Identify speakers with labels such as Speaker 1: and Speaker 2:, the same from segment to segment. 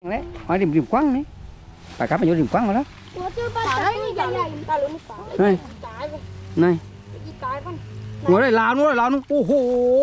Speaker 1: đấy hỏi điểm quăng đấy bà cá phải vô điểm quăng rồi đó này này ngồi đây lao nữa ô hô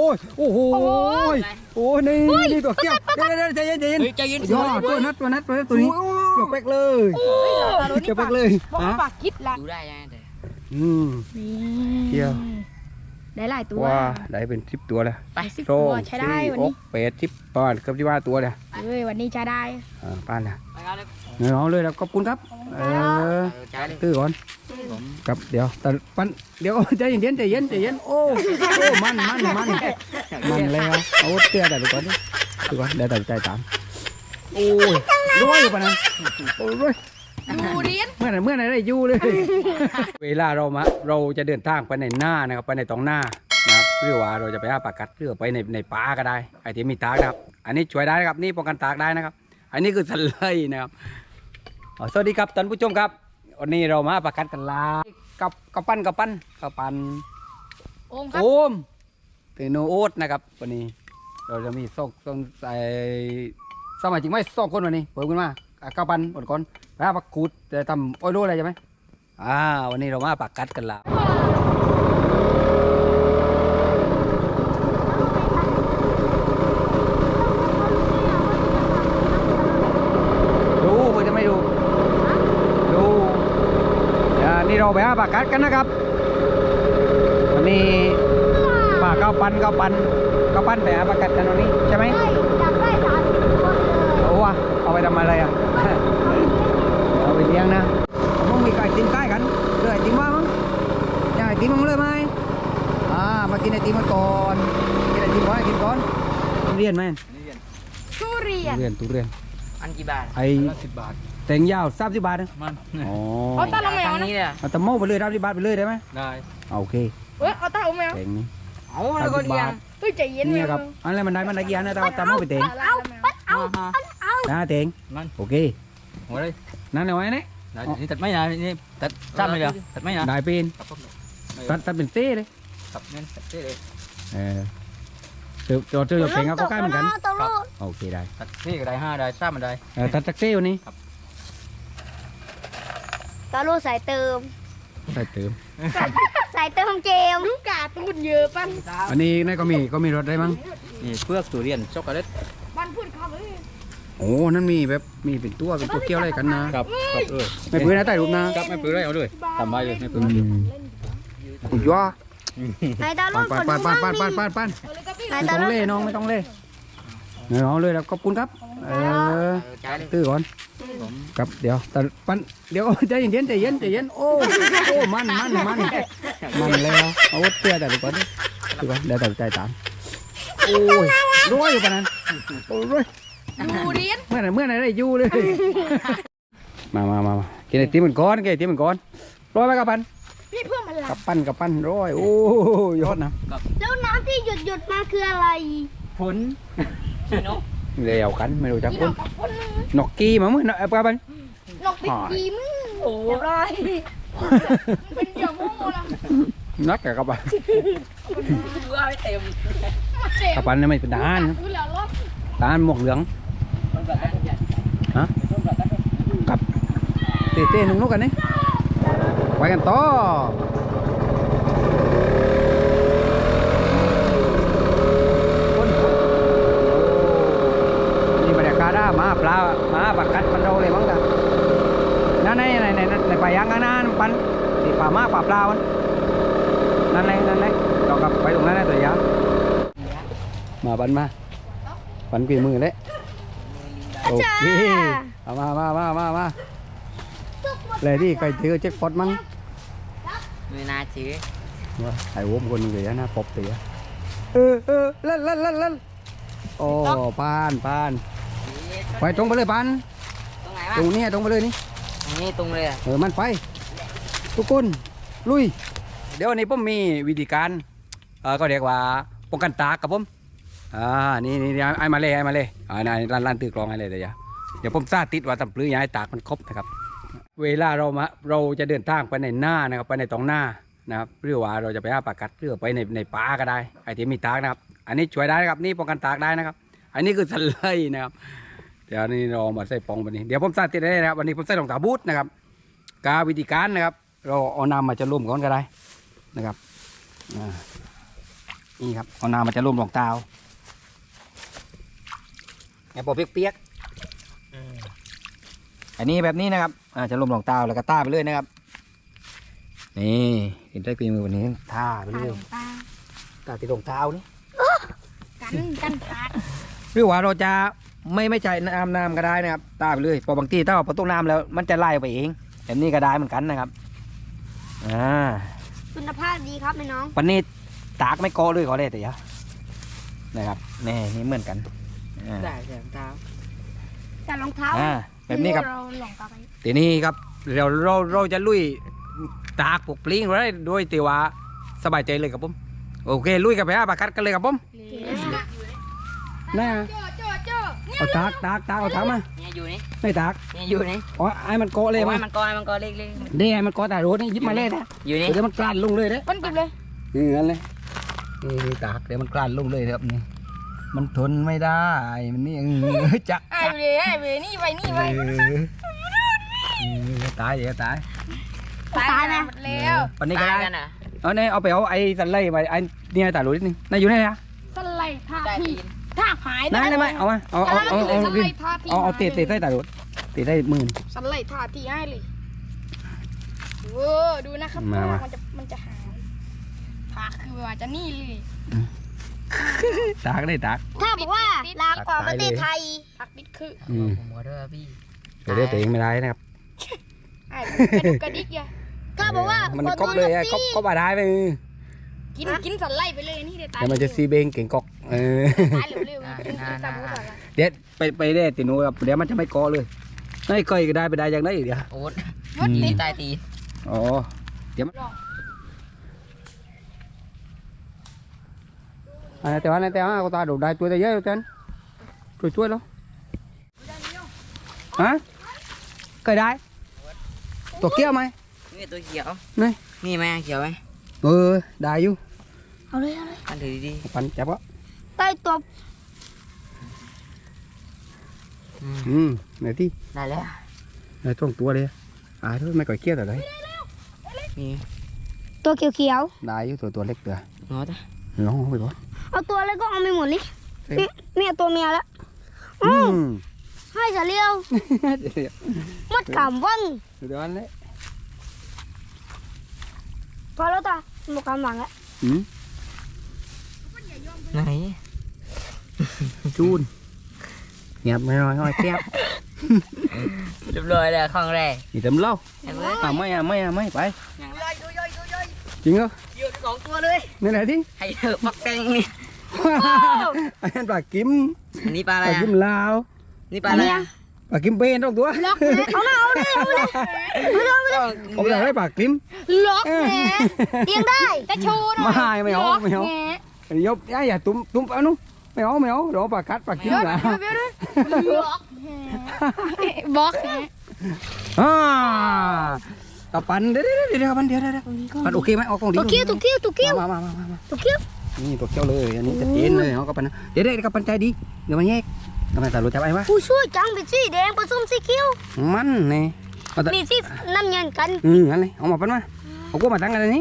Speaker 1: ôนี่นี่ตัวเกี้ยวใจเย็นย่อตัวนัดตัวนี้เกี่ยวแป๊กเลยฮะ
Speaker 2: ปากคิดละ
Speaker 3: ดูได้ยังไง
Speaker 1: เกี่ยว
Speaker 2: ได้หลายตัว
Speaker 1: ว้าได้เป็น10ตัวเลย
Speaker 2: ไป10ตัวใช้ได้วันนี้
Speaker 1: 8 10ประมาณเกือบ15ตัวเลย
Speaker 2: วันนี้ใช้ได้
Speaker 1: ป้านนะเอาเลยแล้วขอบคุณครับตื้อก่อนครับเดี๋ยวแต่ปันเดี๋ยวใจเย็นโอ้มันแล้วเอาเตี้ยแต่ดูก่อนเดี๋ยวตัดใจตามโอ้ยร้อยอยู่ปะนั้นโอ้ย
Speaker 2: ดูเรียน
Speaker 1: เมื่อไหร่ได้ยู่เลยเวลาเราจะเดินทางไปในหน้านะครับไปในตรงหน้านะครับหรือว่าเราจะไปหาปลากัดหรือไปในป่าก็ได้ไอ้ที่มีตากนะครับอันนี้ช่วยได้นะครับนี่ป้องกันตากได้นะครับอันนี้คือสไลด์นะครับสวัสดีครับท่านผู้ชมครับวันนี้เรามาปลากัดกันลากับปั้น
Speaker 2: โอมครับ
Speaker 1: โอมตื่นโนโอ๊ตนะครับวันนี้เราจะมีส่งใส่สมัยจริงไหม2 คนวันนี้เปิดขึ้นมากับปั้นหมดก่อนไปหาปลากูดจะทำอ้อยโลอะไรใช่ไหมวันนี้เรามาปลากัดกันละนี่เราไปหาปลากัดกันนะครับวันนี้ปลาข้าวปั้นไปหาปลากัดกันวันนี้ใช่ไหม
Speaker 2: จับได้30 ตัวเลย
Speaker 1: เอาไปทำอะไรอ่ะ เอาไปเลี้ยงนะมึงมีไก่ตีนใกล้กันเลยไอติมว่ามั้งอยากไอติมมึงเลยไหมมากินไอติมมาก่อนกินไอติมก่อนเรียนไหม
Speaker 2: ทุเรียน
Speaker 1: ทุเรียน
Speaker 3: อันกี่บาท
Speaker 1: ไอ้10 บาทแตงยาว30 บาทนะ
Speaker 3: มัน
Speaker 2: เอาตาลงแมวนะ
Speaker 1: เอาตะโม่ไปเลย30 บาทไปเลยได้ไหม
Speaker 3: ได้
Speaker 1: โอเค
Speaker 2: เอาตาลงแมว
Speaker 1: แตงนี้
Speaker 3: เอาแล้วก็เลี้ยง
Speaker 2: ใจเย็น
Speaker 1: นี่ครับอะไรมันได้กี่อันนะตะโม่ไปแตง เตง
Speaker 3: มัน
Speaker 1: โอเค
Speaker 3: หัวเลย
Speaker 1: นั่นเอาไว้เนี่ย
Speaker 3: นี่ตัดไม่นะนี่ตัดซ้ำเลยเดียวตัดไม่นะ
Speaker 1: ได้เป็นตัดเป็นเต้เลย
Speaker 3: ตัดเงินตัดเต้เลย
Speaker 1: เจอเพลงก็ใกล้เหมือนกันโอเคได้
Speaker 3: ตัดเต้ก็ได้5ได้ซ้ำมันได้
Speaker 1: ตัดจากเต้วันนี้
Speaker 2: ตาลูสายเติม
Speaker 1: ใส่เติม
Speaker 2: สายเติมเกมลูกกาตูนเยอะปั้น
Speaker 1: อันนี้นี่ก็มีรถได้มั้ง
Speaker 3: นี่เปลือกทุเรียนช็อกโกแลต
Speaker 2: บ้านพูดเขาเลย
Speaker 1: โอ้นั่นมีแบบมีเป็นตัวเกี้ยวอะไรกันนะครับ ไม่ปื้อนะใต้รูปนะครับ
Speaker 3: ไม่ปื้อเลยเอาเลยทำไมเลยไม่ปื้อ
Speaker 1: คุณย่อ
Speaker 2: นายตาลู
Speaker 1: ปั้นไม่ต้องเล่น้องไม่ต้องเล่เอาเลยแล้วขอบคุณครับตื้อก่อนครับเดี๋ยวแต่ปั้นเดี๋ยวใจเย็นโอ้มันแล้วเอาเตี้ยแต่ดูก่อนเดี๋ยวตัดใจตามโอ้ยร้อยอยู่ปะนั้นโอ้ย
Speaker 2: ดูเรียน
Speaker 1: เมื่อไหร่ได้ยู่เลยมากินไอติมมันก้อนร้อยไหมกับปั้น
Speaker 2: พี่เพื่อนมันหลั
Speaker 1: กับปั้นร้อยโอ้ยอดนะ
Speaker 2: แล้วน้ำที่หยดมาคืออะไร
Speaker 3: ผลชิโน
Speaker 1: เลี้ยวกันไม่รู้จักคนนกกี้มาเมื่อไหร่กับปั้น
Speaker 2: นกปิดกีมึงโอ้ยเป็นเดี่ยวโม่ละ
Speaker 1: นักกับปั้น
Speaker 3: เบื่อไม่เต็ม
Speaker 1: กับปั้นนี่ไม่เป็นทหารทหารหมวกเหลืองฮะกับเต้นุ่งนกกันนี่ไปกันต่อนี่บรรยากาศมาปลาปากกัดมันเราเลยมั้งจ้ะนั่นในป่ายางข้างหน้าปันที่ป่ามาป่าปลามันนั่นเลยเรากลับไปตรงนั้นเลยตัวยามาปันกี่มือเลยโอเคเอามาเลยที่ใครเจอเช็คพอตมั้ง
Speaker 3: ไม่น่าเชื่อ
Speaker 1: ว่าไอ้โว้มคนเดียวนะปบเตียเล่นโอ้ปานไปตรงไปเลยปาน
Speaker 3: ตรงไหนวะ
Speaker 1: ตรงนี้ตรงไปเลยนี่
Speaker 3: ตรงนี้ตรงเลย
Speaker 1: มันไปทุกคนลุยเดี๋ยววันนี้ผมมีวิธีการก็เรียกว่าป้องกันตากกับผมนี่ไอ้มาเลยร้านตื้อกลองไอ้เลยเดี๋ยวผมสาธิตว่าทำปลื้อยาให้ตากมันครบนะครับเวลาเราจะเดินทางไปในหน้านะครับไปในตรงหน้านะครับหรือว่าเราจะไปหาปลากัดหรือไปในป่าก็ได้ไอ้ที่มีตากนะครับอันนี้ช่วยได้นะครับนี่ป้องกันตากได้นะครับอันนี้คือสไลด์นะครับเดี๋ยวนี้เรามาใส่ปองวันนี้เดี๋ยวผมใส่ติดได้นะครับวันนี้ผมใส่รองเท้าบูทนะครับกาวิธีการนะครับเราเอาน้ำมาจะร่วมก่อนก็ได้นะครับนี่ครับเอาน้ำมาจะร่วมรองเท้าไอ้พอเปียกๆอันนี้แบบนี้นะครับจะร่วมรองเท้าแล้วก็ต้าไปเลยนะครับนี่เห็นได้ปีมือวันนี้ท่าไปเลยต้าติดรองเท้านี่
Speaker 2: กันขาด
Speaker 1: หรือว่าเราจะไม่ใช้น้ำก็ได้นะครับตาไปเลยพอบางทีถ้าเราต้มน้ำแล้วมันจะไล่ไปเองแบบนี้ก็ได้เหมือนกันนะครับ
Speaker 2: คุณภาพดีครับแม่น้อง
Speaker 1: ปันนี้ตากไม่โกเลยขอเลยแต่ยะนะครับนี่เหมือนกัน
Speaker 3: ได้รองเท้า
Speaker 2: แต่รองเท้า
Speaker 1: แบบนี้ครับทีนี้ครับเราจะลุยตากปลูกปลิ้งไว้ด้วยตีว่าสบายใจเลยครับผมโอเคลุยกับไปปากกัดกันเลยครับผมน่าเอาตากเอาตากมา
Speaker 3: เนี่ยอยู่นี่
Speaker 1: ไม่ตาก
Speaker 3: เนี่ยอยู่นี่
Speaker 1: อ๋อไอ้มันโกเลย
Speaker 3: มันโกเล็ก
Speaker 1: เดี๋ยวมันโกแต่รถนี่ยิบมาเลยนะ
Speaker 3: อยู่นี่
Speaker 1: เดี๋ยวมันกลั่นลงเลยเด้
Speaker 2: มันกินเลย
Speaker 1: งั้นเลยนี่ตากเดี๋ยวมันกลั่นลงเลยครับนี่มันทนไม่ได้มันนี่จะ
Speaker 2: ไอ้เวนี่ไป
Speaker 1: ตายเดี๋ยวตาย
Speaker 2: นะแล้ว
Speaker 1: วันนี้ก็ได้เอาเนี่ยเอาไปเอาไอ้สันไล่ไปไอ้เนี่ยตาหลุดนี่นายอยู่ไหนอะ
Speaker 2: สันไล่ท่าหาย
Speaker 1: นั่นได้ไหมเอามาเอาเตะใส่ตาหลุดเตะได้หมื่น
Speaker 2: สันไล่ท่าที่ให้เลยโอ้ดูนะครับมันจะหายผักคือว่าจะนี่เลย
Speaker 1: ตากได้ตาก
Speaker 2: ถ้าบอกว่าลางกว่าประเทศไทยผักดิบคือ
Speaker 3: หมดแล้วพี่
Speaker 1: เดี๋ยวตัวเองไม่ได้นะครับ
Speaker 2: กระดิกอย่าถ้าบอกว่า
Speaker 1: มันก๊อกเลยก๊อกบาได้ไป
Speaker 2: กินสันไล่ไปเลยนี่เดี๋ยวตาย
Speaker 1: เดี๋ยวมันจะซีเบงเก่งก๊อก
Speaker 2: ตายเร็ว
Speaker 1: เดี๋ยวไปได้ตีนูครับเดี๋ยวมันจะไม่ก๊อเลยไม่เคยก็ได้ไปได้ยังได้เดี๋ยว
Speaker 3: โอ๊ตตีตายตี
Speaker 1: อ๋อเดี๋ยวแต่ว่าก็ตาดูได้ตัวได้เยอะเต็มช่วยแล้วฮะเคยได้ตัวเกี้ยวไหม
Speaker 3: นี่ตัวเขียว
Speaker 1: นี่
Speaker 3: ไหมเขียวไหม
Speaker 1: ได้อยู่
Speaker 2: เอาเลย
Speaker 3: ปันถือดี
Speaker 1: ปันจับวะ
Speaker 2: ใต้ตัว
Speaker 1: ไหนที่
Speaker 3: ได้แล้ว
Speaker 1: ไหนต้องตัวเลยทุกไม่ก่อยเกี้ยวแต่ไหน
Speaker 3: นี่
Speaker 2: ตัวเขียว
Speaker 1: ได้อยู่ตัวเล็กเดือ
Speaker 3: น้อยจ้ะ
Speaker 1: น้องไปก่อน
Speaker 2: เอาตัวเล็กก็เอาไปหมดเลยเนี่ยตัวเมียแล้วให้จะเลี้ยวมัดขำวัง
Speaker 1: เดี๋ยวอันนี้
Speaker 2: พอแล้วตาหมดกำลังแล้ว
Speaker 3: ไหน
Speaker 1: จูนเงียบไม่น้อยแคบ
Speaker 3: เรียบร้อยแล้วข้างแรก
Speaker 1: นี่เต็มเล่าไม่ไปจริงเหรอ
Speaker 3: อยู่สองตัวเลย
Speaker 1: นี่ไหนที่
Speaker 3: ให้เถอะปักแกงนี่
Speaker 1: อันนั้นปลากิม
Speaker 3: นี่ปลาอะไร
Speaker 1: ปลากิมลาว
Speaker 3: นี่ปลาอะไร
Speaker 1: ปลากิมเป็นต้องตัว
Speaker 2: ล็อกเอาเลย
Speaker 1: ผมอยากได้ปลากิม
Speaker 2: ล็อกแหมเลี้ยงได้จะโชว์หน่อย
Speaker 1: ไม่เอายบอย่าตุ้มเอานุไม่เอาเดี๋ยวปลากัดปลากิมละ
Speaker 2: บล็อก
Speaker 1: กับปันเดี๋ยวปันโอเคไหมเอาของดี
Speaker 2: ตัวเกี้ยว
Speaker 1: มานี่ตัวเกี้ยวเลยอันนี้จะเย็นเลยเอากับปันเดี๋ยวกับปันใจดีเดี๋ยวมันแยกทำไมตาลุจับไอ้วะ
Speaker 2: ผู้ช่วยจังเป็นสีแดงผสมสีเขียว
Speaker 1: มันนี่
Speaker 2: นี่สีน้ำเงินกัน
Speaker 1: งั้นเลยเอามาปันมาเอากูมาตั้งกันนี้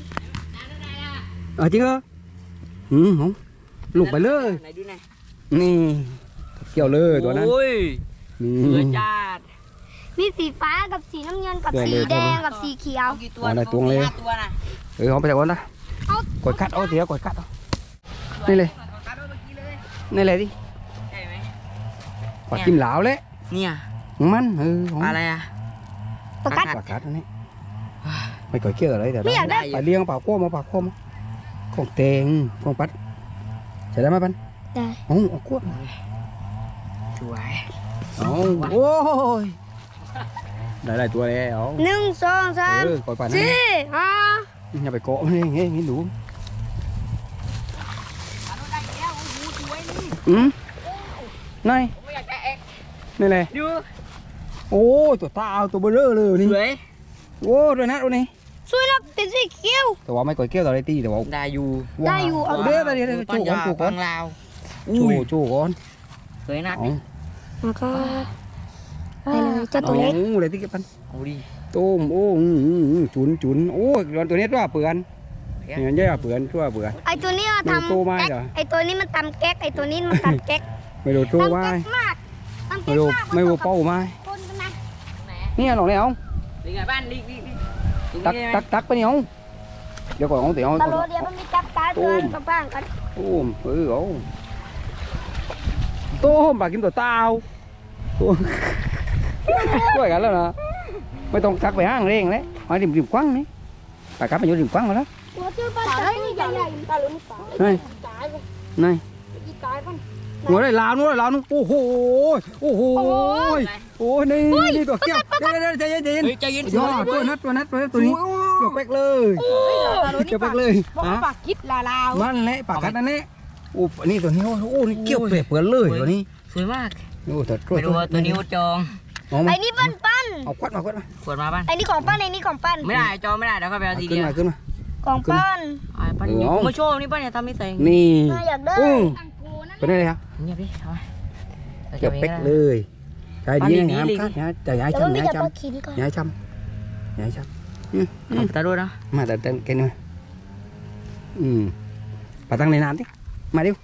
Speaker 1: จริงเหรอผมลุกไปเลยนี่เกี่ยวเลยตัวนั้น
Speaker 3: นี่จัด
Speaker 2: มีสีฟ้ากับสีน้ำเงินกับสีแดงกับสีเขียว
Speaker 1: อะไรตัวเลยเอาไปจากวันนะกดคัดเอาเสียกดคัดเอานี่เลยดิปลากิมเหลาเลย
Speaker 3: เนี่ย
Speaker 1: มัน
Speaker 3: อะไร
Speaker 2: ปลา
Speaker 1: กัดอันนี้ไม่ก่อยเกี่ยวอะไรแต่ปลาเลี้ยงปลาโค้มาของเตงของปัดใช่ได้ไหมปัน
Speaker 2: ได้
Speaker 1: เอากวด
Speaker 3: สวย
Speaker 1: โอ้ยได้ตัวแล้ว
Speaker 2: 1 2 3 4
Speaker 1: 5อย่าไปโกะนี่งี้ดูนี่เลยโอ้ตัวตาเอาตัวเบลอเลยนี่โอ้ตัวนั้นตัวนี้
Speaker 2: สวยนักเป็นสีเขียว
Speaker 1: แต่ว่าไม่ก่อยเกี่ยวตัวไรตีแต่ว่า
Speaker 3: ได้อยู่
Speaker 1: เอาเด้อไปเดี๋ยวจูก่อน
Speaker 3: ลาว
Speaker 1: จูก่อน
Speaker 3: สวยนัก
Speaker 2: แล้วก็ไปเลยเจ้าตัวเล็ก
Speaker 1: โอ้เลยที่เก็บปัน
Speaker 3: เอาดิ
Speaker 1: ต้มโอ้จุนโอ้ร้อนตัวนี้ตัวเปื่อนเนี่ยเยอะเปื่อนตัวเปื่อน
Speaker 2: ไอตัวนี้มัน
Speaker 1: ไม่รู้ตัวไหม
Speaker 2: ทำแก๊ก
Speaker 1: เหรอ
Speaker 2: ไอตัวนี้มันตำแก๊กไอตัวนี้มันตำแก๊ก
Speaker 1: ไม่รู้ตัว
Speaker 2: ตำ
Speaker 1: ว่า
Speaker 2: แก๊กมากตำ
Speaker 1: ไม่
Speaker 2: แก๊ก
Speaker 1: รู้
Speaker 2: มาก
Speaker 1: ไม่รู้เป้าไหม
Speaker 2: คนกันนะ
Speaker 1: เนี่ยหลงแล้ว
Speaker 3: đi ngay ban đi
Speaker 1: ตักไปเนี่ยเดี๋ยวก่อนเอาเดี๋ยว
Speaker 2: ตะโลเดียวมันมีจับตาเตือนกับบ้างกัน
Speaker 1: ต้มเอาต้มปลากินตัวเต้าตัวช่วยกันแล้วนะไม่ต้องตักไปห้างเร่งเลยมาริมกว้างนี่ปลากลับมาอยู่ริมกว้างแล้ว
Speaker 2: ตัวชื่อปลาใหญ่ใหญ่ตาลุนี่ปลา
Speaker 1: นี่
Speaker 2: ตายเลย
Speaker 1: นี่
Speaker 2: อีตายมัน
Speaker 1: หัวได้ลาวนู้นลาวนู้นโอ้โหโอ้นี่ตัวเกี้ยวเดี๋ยวใจเย็น
Speaker 3: chơi yên
Speaker 1: ยอดตัวนัดตัวนี้เกี่ยวเป๊กเลยเกี่ยวเป๊กเลย
Speaker 2: บอกว่าปลาคิดลาลาว
Speaker 1: มันแหละปากกัดนั่นแหละโอ้นี่ตัวนี้โอ้นี่เกี่ยวเป๊กเปื่อนเลยตัวนี้
Speaker 3: sủi mát
Speaker 1: โอ้แต่
Speaker 3: ไม่รู้ว่าตัวนี้จอง
Speaker 2: ไอ้นี่ปั้นปั้น
Speaker 1: เอาควัดมา
Speaker 3: ขวดมาบ้าน
Speaker 2: ไอ้นี่ของปั้นไอ้นี่ของปั้น
Speaker 3: ไม่ได้จองไม่ได้เดี๋ยวเขาไปเอาที
Speaker 1: ขึ้
Speaker 3: เดี
Speaker 1: น
Speaker 3: ยว
Speaker 1: มาขึ้นมา
Speaker 2: ของปั้น
Speaker 3: ไอ้ปั้นมาโชว์นี่ปั้นเนี่ยทำไม่ใส่
Speaker 1: นี่
Speaker 2: อยากได้
Speaker 1: เป็นไงครับ
Speaker 3: เงียบดิเอาไป
Speaker 1: เกี่ยวเป๊กเลยใจดีงามครับใจย้าย
Speaker 2: แต่ว่ามี
Speaker 1: ช้ำ
Speaker 2: แต่
Speaker 1: ย้าย
Speaker 2: ปลา
Speaker 1: ช้ำ
Speaker 2: ขินก่อน
Speaker 1: ย้ายช้ำ
Speaker 3: ตาดูนะ
Speaker 1: มาแต่กันหน่อยปาตั้งในน้ำดิมาดิ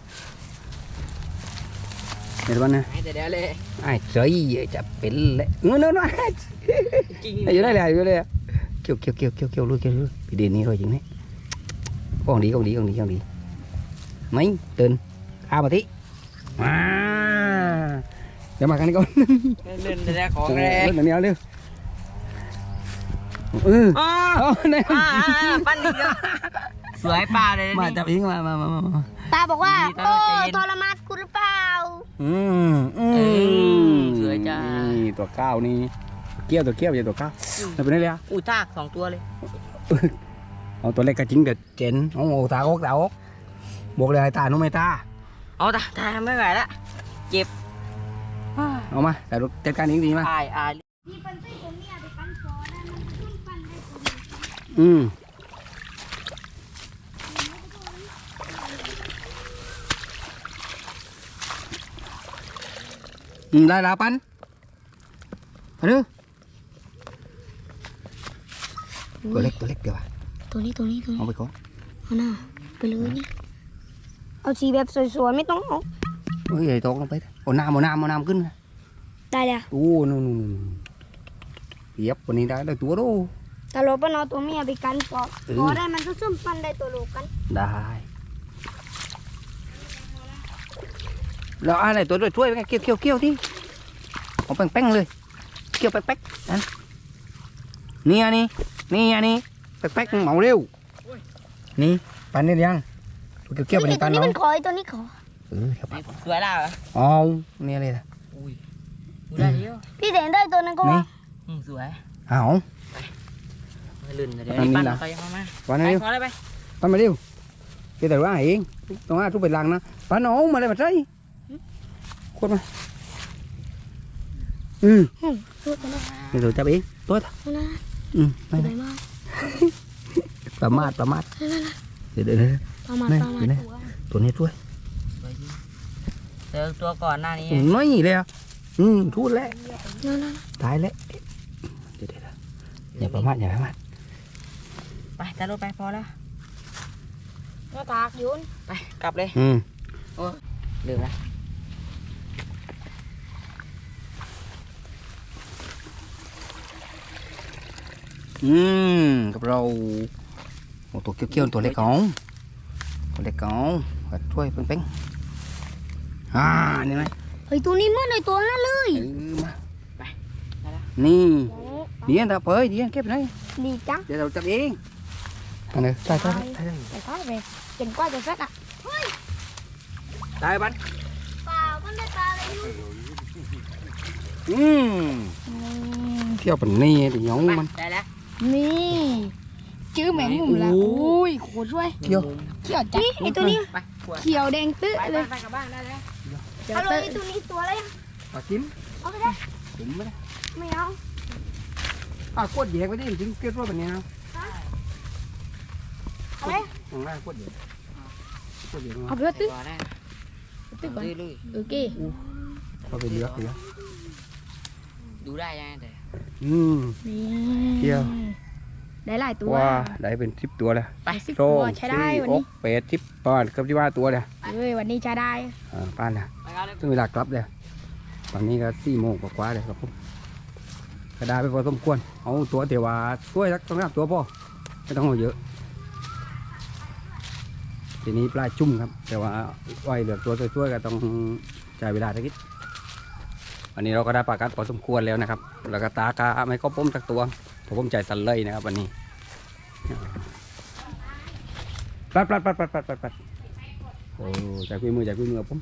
Speaker 1: เดี๋ยววันนะ
Speaker 3: เดี๋ยวเลย
Speaker 1: ไอ้ใจจะเป็นเลยเงินน้อย
Speaker 3: จริง
Speaker 1: อยู่ได้เลยอยู่ได้เกี่ยวลุยพี่เดนนี่rồiจริงđấy con đi mấy tên a mà tí à để mà cái này con
Speaker 3: lên raของเลย
Speaker 1: lên là neo đi này
Speaker 3: ปั้นอีกแล้วสวยปลาเลย
Speaker 1: mà chụp yến mà
Speaker 2: ตาบอกว่า
Speaker 3: ดีตา
Speaker 2: โอ้
Speaker 3: ใจเย็น
Speaker 2: ทรมานกูหรือเปล่า
Speaker 3: สวยจ้า
Speaker 1: นี่ตัวก้าวนี่เกี้ยวอย่าตัวก้าวมันเป็นไงเลย
Speaker 3: อุ้ยทากสองตัวเลย
Speaker 1: เอาตัวเล็กกระจิ้งกับเจนเอาตาอกบวกเลยตาโนไม่ตา
Speaker 3: เอาตาไม่ไหวละเจ็บ
Speaker 1: เอามาแต่จัดการเองดีมา
Speaker 3: อาย
Speaker 2: นี่เป็นไส้ตัวเมียไปปั้นคอได้มันขึ้นปั้นได้ตัวนี้
Speaker 1: ได้แล้วปันมาดูตัวเล็กเดี๋ยว
Speaker 2: ตัวนี้
Speaker 1: เอาไปก่อน
Speaker 2: เอาหน้าไปเลยนี่เอาสีแบบสวยๆไม่ต้องเอา
Speaker 1: เฮ้ยใหญ่โตลงไปเอาน้ำขึ้น
Speaker 2: ได้เลย
Speaker 1: โอ้นู่นเปียบวันนี้ได้เลยตัวดู
Speaker 2: ตาโลปนเอาตัวเมียไปกันพอได้มันก็ซึมปั้นได้ตัวโลกัน
Speaker 1: ได้แล้วอะไรตัวช่วยไงเกี่ยวที่เอาแป้งเลยเกี่ยวแป๊กนั่นนี่อันนี้แป๊กเหมาเร็วนี่ปันนี่ยังตัวเกี่ยวไปใน
Speaker 2: ตั
Speaker 1: ปั
Speaker 2: วน นี้
Speaker 1: น้อ
Speaker 2: มั
Speaker 1: ง
Speaker 2: นขอไอ้ตัวนี้ขอ
Speaker 3: สวยแล้วเหรอ
Speaker 1: อ๋อนี่อะไรล่ะ
Speaker 3: อุ้ยได้เดียว
Speaker 2: พี่เห็นได้ตัวนั้นก็ว่า
Speaker 3: สวย
Speaker 1: เอา
Speaker 3: ลื่นเดี๋ยวปั้นไปยังมา
Speaker 1: ปัน
Speaker 3: ไป
Speaker 1: เร็ว
Speaker 3: ขอเลยไป
Speaker 1: ปันมาเร็วcái đầu đó hiện tao nói chú bị lằng nó phải nổ mà đây mà thấy khuất mà cái rồi cho biết tốt
Speaker 2: ไปมาก
Speaker 1: bà mát để
Speaker 2: ประมาณ
Speaker 1: tụi này chuối
Speaker 3: เจอตัวก่อนหน้านี้
Speaker 1: nói gì đây thua lẽ
Speaker 2: นั่น
Speaker 1: tái lẽ để nhà bà mát
Speaker 3: ไปตาลูกไปพอแล้ว
Speaker 2: หน้าตากยุน
Speaker 3: ไปกลับเลยโอ้ลืมละ
Speaker 1: กับเราตัวเกี้ยวตัวเล็กของช่วยเป้งนี่ไง
Speaker 2: เฮ้ยตัวนี้เหมือนไอ้ตัวนั้นเลย
Speaker 1: มานี่ดีอันตาเผยดีอันเก็บไหน
Speaker 2: ดีจัง
Speaker 1: เดี๋ยวเราจับเองอันนี้ใช่
Speaker 2: ไปท้ายไปเก่งกว่าจะเซ็ตอ่ะ
Speaker 1: ได้บัน
Speaker 2: เปล่ามันได้ปลาอะไรอยู่
Speaker 1: เที่ยวเป็นนี่thì nhóm มัน
Speaker 3: ได้แล้ว
Speaker 2: นี่ชื่อแมงมุมละอุ้ยโคตรช่วย
Speaker 1: เที่ยว
Speaker 2: เขียวจังไอตัวนี้
Speaker 3: ไปขวด
Speaker 2: เขียวแดงตื้อ
Speaker 3: ไป
Speaker 2: เลย
Speaker 3: ไปกลับบ้านได้แล้ว
Speaker 2: เอาเลยตัวนี้ตัวอะไร
Speaker 1: ปลาจิ้ม
Speaker 2: เอาไปได้
Speaker 1: จิ้มไม่ได้
Speaker 2: ไม่เอา
Speaker 1: กดแยกไปดิจริงเกล็ดว่าแบบนี้นะ
Speaker 2: เอาไป
Speaker 1: ของแรกกดแยก
Speaker 2: เอาไปตื้อ
Speaker 3: ก่อนได้
Speaker 2: ตื้อก่อน
Speaker 3: ลุย
Speaker 2: โอเค
Speaker 1: ก็ไปเลือกเลย
Speaker 3: ดูได้ยังไงแต่
Speaker 2: นี่
Speaker 1: เที่ยว
Speaker 2: ได้หลายตัว
Speaker 1: ว่าได้เป็น10 ตัวเลย
Speaker 3: ไป
Speaker 2: 10
Speaker 1: โซ่
Speaker 2: ตัวใช้ได้วันนี้
Speaker 1: 8 10ประมาณเกือบ15 ตัวเลย
Speaker 2: เอ้ยวันนี้ใช้ได้
Speaker 1: ป้านนะ
Speaker 3: ไปเอาเลย
Speaker 1: ซึ่งเวลากลับเลยตอนนี้ก็4 โมงกว่าๆเลยครับผมก็ได้ไปพอสมควรเอาตัวเทวาช่วยสัก2-3 ตัวพอไม่ต้องเอาเยอะทีนี้ปลาจุ่มครับแต่ว่าไว้เหลือตัวช่วยๆก็ต้องใช้เวลาสักนิดวันนี้เราก็ได้ปลากัดพอสมควรแล้วนะครับแล้วก็ตากาไม่ก็ป้มสักตัวผมใจสั่นเลยนะครับวันนี้ปัดโอ้ใจคุยมือผม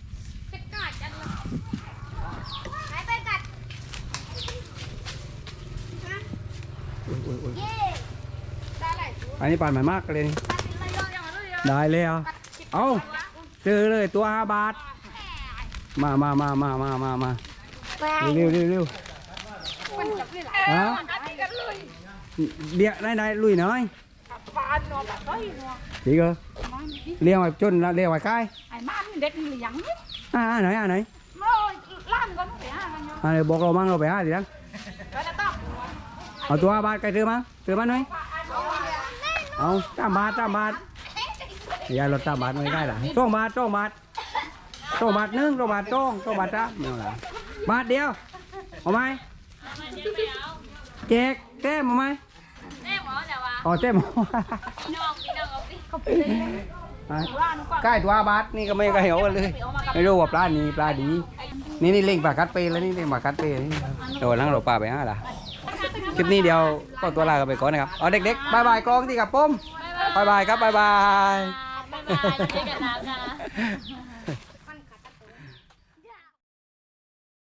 Speaker 1: โอ้ยอันนี้ปานใหม่มากเลยนี่ได้เลยเอาเจอเลยตัว5 บาทมาเร็วฮะเดี๋ยวได้ลุยหน่อยดีก็เลี้ยงไว้จนเลี้ยงไว้ใกล้
Speaker 4: ไอ้มันเด็ดเหลืองนี่
Speaker 1: ไหน
Speaker 4: โอ้ยล้านก็ไม่ไปหากันอยู่
Speaker 1: เดี๋ยวบอกเรามั่งเราไปหาดิทั้ง
Speaker 4: ไปแล้วต้อง
Speaker 1: เอาตัว5 บาทใครซื้อมาหน่อยเอา3 บาทอย่าลด3 บาทไม่ได้หรอ2 บาท1 2 บาท2 บาทจ้าไม่เอาละบาทเดียวเอาไหมแจกแต้มเอาไหมอ๋อแต้มใกล้ตัว5 บาทนี่ก็ไม่ก็เหี่ยวเลยไม่รู้ว่าปลานี้ปลาดีนี่เล่งปลากัดเปแล้วนี่เล่งปลากัดเปนี่เดี๋ยวหลังเราปลาไปล่ะคลิปนี้เดียวก็ตัวลากันไปก่อนนะครับเอาเด็กๆบายกองที่กับปุ้มบายครับบาย